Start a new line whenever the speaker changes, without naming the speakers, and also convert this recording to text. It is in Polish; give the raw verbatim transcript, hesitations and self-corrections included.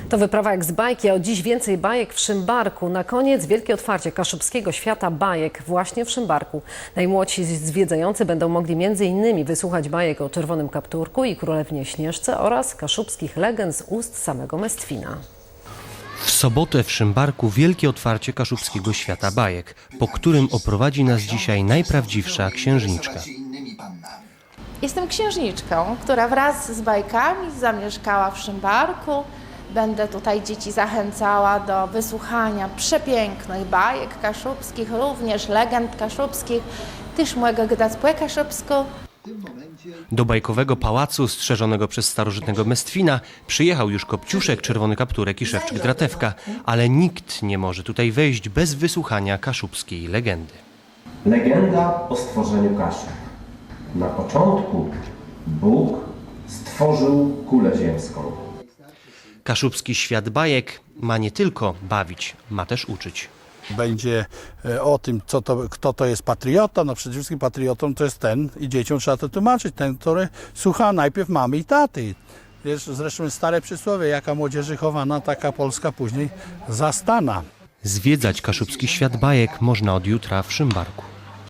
To wyprawa jak z bajki, a od dziś więcej bajek w Szymbarku. Na koniec wielkie otwarcie kaszubskiego świata bajek właśnie w Szymbarku. Najmłodsi zwiedzający będą mogli między innymi wysłuchać bajek o Czerwonym Kapturku i Królewnie Śnieżce oraz kaszubskich legend z ust samego Mestwina.
W sobotę w Szymbarku wielkie otwarcie kaszubskiego świata bajek, po którym oprowadzi nas dzisiaj najprawdziwsza księżniczka.
Jestem księżniczką, która wraz z bajkami zamieszkała w Szymbarku. Będę tutaj dzieci zachęcała do wysłuchania przepięknych bajek kaszubskich, również legend kaszubskich, też mojego gdacpłe kaszubsku.
Do bajkowego pałacu strzeżonego przez starożytnego Mestwina przyjechał już Kopciuszek, Czerwony Kapturek i Szewczyk Dratewka, ale nikt nie może tutaj wejść bez wysłuchania kaszubskiej legendy.
Legenda o stworzeniu Kaszub. Na początku Bóg stworzył kulę ziemską.
Kaszubski świat bajek ma nie tylko bawić, ma też uczyć.
Będzie o tym, co to, kto to jest patriota. No przede wszystkim patriotą to jest ten, i dzieciom trzeba to tłumaczyć, ten, który słucha najpierw mamy i taty. Wiesz, zresztą jest stare przysłowie, jaka młodzieży chowana, taka Polska później zastana.
Zwiedzać kaszubski świat bajek można od jutra w Szymbarku.